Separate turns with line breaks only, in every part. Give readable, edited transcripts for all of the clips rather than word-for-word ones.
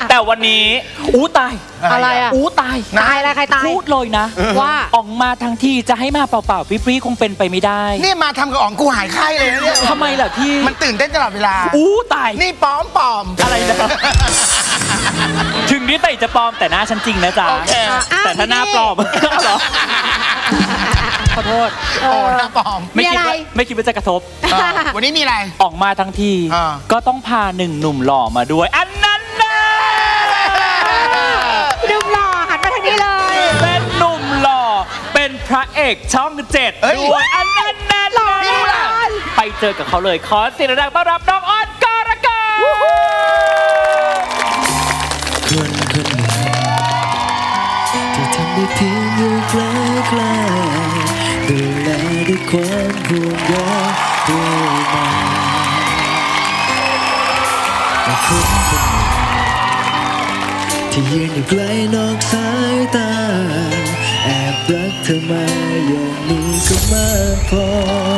แต่วันนี้ตาย
อะไรอ่ะ
ตาย
อะไรใครตาย
พูดเลยนะว่าออกมาทั้งที่จะให้มาเปล่าๆปรี้ๆคงเป็นไปไม่ได้
นี่มาทำกับอ๋องกูหายไข้เลยนะเนี่ย
ทำไมล่ะพี่
มันตื่นเต้นตลอดเวลา
ตาย
นี่ปลอม
อะไรนะถึงนี้ไต่จะปลอมแต่หน้าฉันจริงนะจ๊ะแต่ถ้าหน้าปลอมเหรอขอโทษ
หน้าปลอม
ไม่คิดว่าจะกระทบ
วันนี้มีอะไร
ออกมาทั้งทีก็ต้องพา1 หนุ่มหล่อมาด้วยอันนั้นนะ
หนุ่มหล่อหันมาทางนี้เลย
เป็นหนุ่มหล่อเป็นพระเอกช่อง7ด้วยอันนั้นนะหล่อไปเจอกับเขาเลยขอเสียงดังต้อนรับน้องออนกรกฎ
คนคนหนึ่งที่ทำได้เพียงอยู่ใกล้ๆดูแลด้วยความห่วงใยด้วยมาแต่คนคนหนึ่งที่ยืนอยู่ไกลนอกสายตาแอบรักเธอมาอย่างนี้ก็มากพอ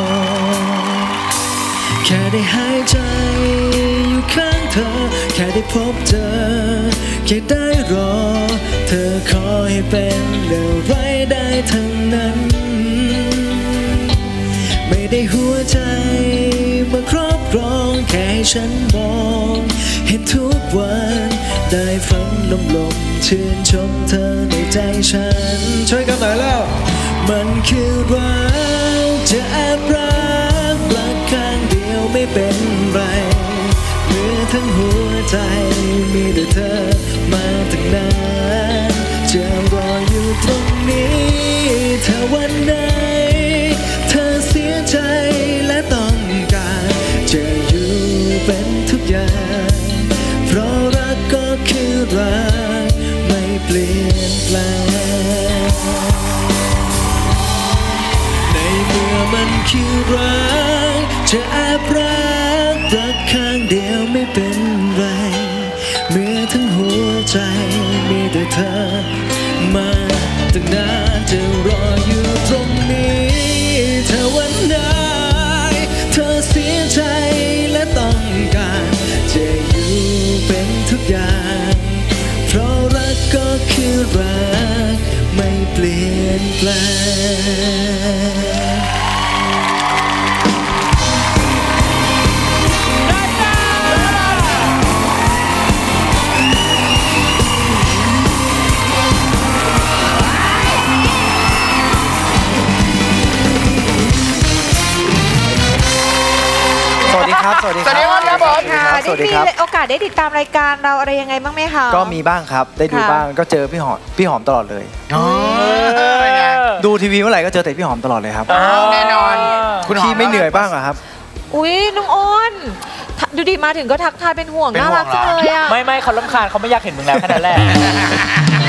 แค่ได้หายใจอยู่ข้างเธอแค่ได้พบเจอแค่ได้รอเธอขอให้เป็นอะไรได้ทั้งนั้นไม่ได้หัวใจมาครอบครองแค่ให้ฉันมองเห็นทุกวันได้ฟังลมๆชื่นชมเธอในใจฉันช่วยกันหน่อยแล้วมันคือรักจะแอบรักข้างเดียวไม่เป็นไรเมื่อทั้งหัวใจมีแต่เธอมาตั้งนานจะรออยู่ตรงนี้ถ้าวันไหนเธอเสียใจและต้องการจะอยู่เป็นทุกอย่างเพราะรักก็คือรักไม่เปลี่ยนแปลงในเมื่อมันคือรักจะแอบรักข้างเดียวไม่เป็นไรเมื่อทั้งหัวใจมีแต่เธอมาตั้งนานจะรออยู่ตรงนี้ถ้าวันไหนเธอเสียใจและต้องการจะอยู่เป็นทุกอย่างเพราะรักก็คือรักไม่เปลี่ยนแปลง
สวัสดีครับสวัสดีครับ
สวัสดีครับมีโอกาสได้ติดตามรายการเราอะไรยังไงบ้างไหมคะ
ก็มีบ้างครับได้ดูบ้างก็เจอพี่หอมตลอดเลยดูทีวีเมื่อไหร่ก็เจอแต่พี่หอมตลอดเลยครับ
แน่นอน
คุณพี่ไม่เหนื่อยบ้างเหรอครับ
อุ้ยน้องอ้นดูดีมาถึงก็ทักทายเป็นห่วงน่ารักจังเลยอ่ะ
ไม่เขารำคาญเขาไม่อยากเห็นมึงแล้วแค่นั้นแหละ